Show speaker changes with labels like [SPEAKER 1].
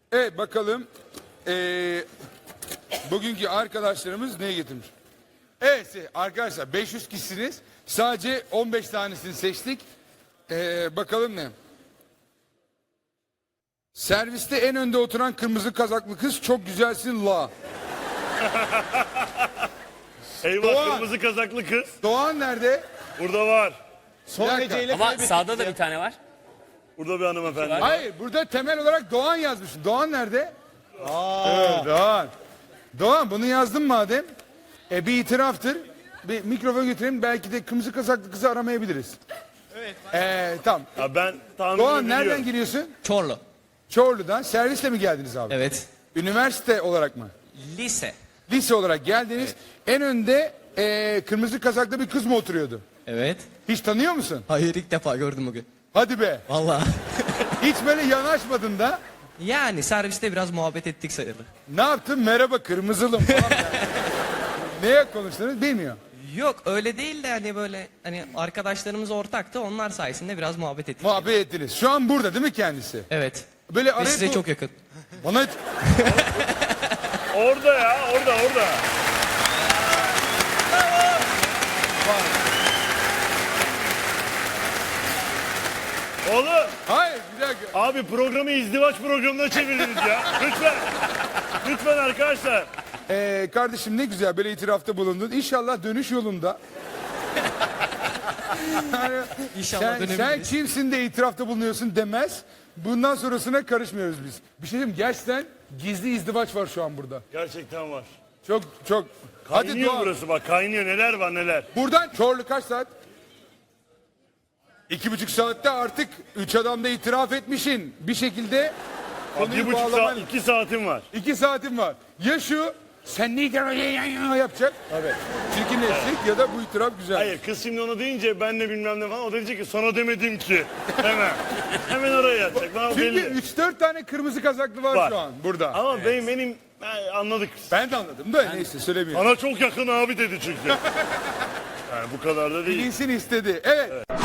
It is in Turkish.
[SPEAKER 1] Evet bakalım. Bugünkü arkadaşlarımız ne getirmiş? Evet arkadaşlar 500 kişisiniz. Sadece 15 tanesini seçtik. Bakalım ne? Serviste en önde oturan kırmızı kazaklı kız çok güzelsin la.
[SPEAKER 2] Eyvah,
[SPEAKER 1] Doğan.
[SPEAKER 2] kırmızı kazaklı kız.
[SPEAKER 1] Doğan nerede?
[SPEAKER 2] Burada var.
[SPEAKER 1] Son derece
[SPEAKER 3] Ama sağda da bir tane var.
[SPEAKER 2] Burada bir hanımefendi var.
[SPEAKER 1] Hayır burada temel olarak Doğan yazmışsın. Doğan nerede? Evet, Doğan. Doğan bunu yazdın madem. Bir itiraftır. Bir mikrofon götürelim belki de kırmızı kazaklı kızı aramayabiliriz. Evet. Tamam.
[SPEAKER 2] Ya ben tahmin
[SPEAKER 1] Doğan
[SPEAKER 2] edebiliyorum.
[SPEAKER 1] nereden geliyorsun?
[SPEAKER 4] Çorlu.
[SPEAKER 1] Çorlu'dan. Servisle mi geldiniz abi?
[SPEAKER 4] Evet.
[SPEAKER 1] Üniversite olarak mı?
[SPEAKER 4] Lise.
[SPEAKER 1] Lise olarak geldiniz. En önde kırmızı kazaklı bir kız mı oturuyordu?
[SPEAKER 4] Evet.
[SPEAKER 1] Hiç tanıyor musun?
[SPEAKER 4] Hayır, ilk defa gördüm bugün.
[SPEAKER 1] Hadi be.
[SPEAKER 4] Vallahi.
[SPEAKER 1] Hiç böyle yanaşmadın da.
[SPEAKER 4] Yani serviste biraz muhabbet ettik sayılır.
[SPEAKER 1] Ne yaptın? Merhaba kırmızılım falan. Neye konuştunuz bilmiyor.
[SPEAKER 4] Yok öyle değil de hani böyle hani arkadaşlarımız ortaktı, onlar sayesinde biraz muhabbet ettik.
[SPEAKER 1] Muhabbet ettiniz. Şu an burada değil mi kendisi?
[SPEAKER 4] Evet.
[SPEAKER 1] Böyle
[SPEAKER 4] Ve
[SPEAKER 1] araya
[SPEAKER 4] size çok yakın.
[SPEAKER 1] Bana
[SPEAKER 2] Orada ya, orada. Oğlum,
[SPEAKER 1] Hayır bir dakika.
[SPEAKER 2] abi programı izdivaç programına çevirdiniz ya. Lütfen. Lütfen arkadaşlar.
[SPEAKER 1] Kardeşim ne güzel böyle itirafta bulundun. İnşallah dönüş yolunda. Yani
[SPEAKER 4] İnşallah
[SPEAKER 1] sen
[SPEAKER 4] dönebiliriz.
[SPEAKER 1] kimsin de itirafta bulunuyorsun demez. Bundan sonrasına karışmıyoruz biz. Bir şey diyeyim gerçekten gizli izdivaç var şu an burada.
[SPEAKER 2] Gerçekten var.
[SPEAKER 1] Çok. Hadi
[SPEAKER 2] Kaynıyor
[SPEAKER 1] Doğan.
[SPEAKER 2] burası bak, kaynıyor. Neler var neler.
[SPEAKER 1] Buradan Çorlu kaç saat? 2,5 saatte artık 3 adamda itiraf etmişsin. Bir şekilde konuyu
[SPEAKER 2] 1,5 saat,
[SPEAKER 1] bağlaman.
[SPEAKER 2] 2 saatim var.
[SPEAKER 1] 2 saatin var. Ya şu sen ne yapacak? Evet. Çirkinleşecek ya da bu itiraf güzel.
[SPEAKER 2] Hayır, kız şimdi onu deyince ben de bilmem ne falan, o da diyecek ki sana demedim ki. Hemen. Hemen oraya yatacak. Bana
[SPEAKER 1] Çünkü
[SPEAKER 2] belli.
[SPEAKER 1] 3-4 tane kırmızı kazaklı var,
[SPEAKER 2] Var.
[SPEAKER 1] şu an burada.
[SPEAKER 2] Ama benim anladık.
[SPEAKER 1] Ben de anladım da neyse söylemiyorum.
[SPEAKER 2] Bana çok yakın abi dedi çünkü. Yani bu kadar da değil.
[SPEAKER 1] Bilinsin istedi. Evet.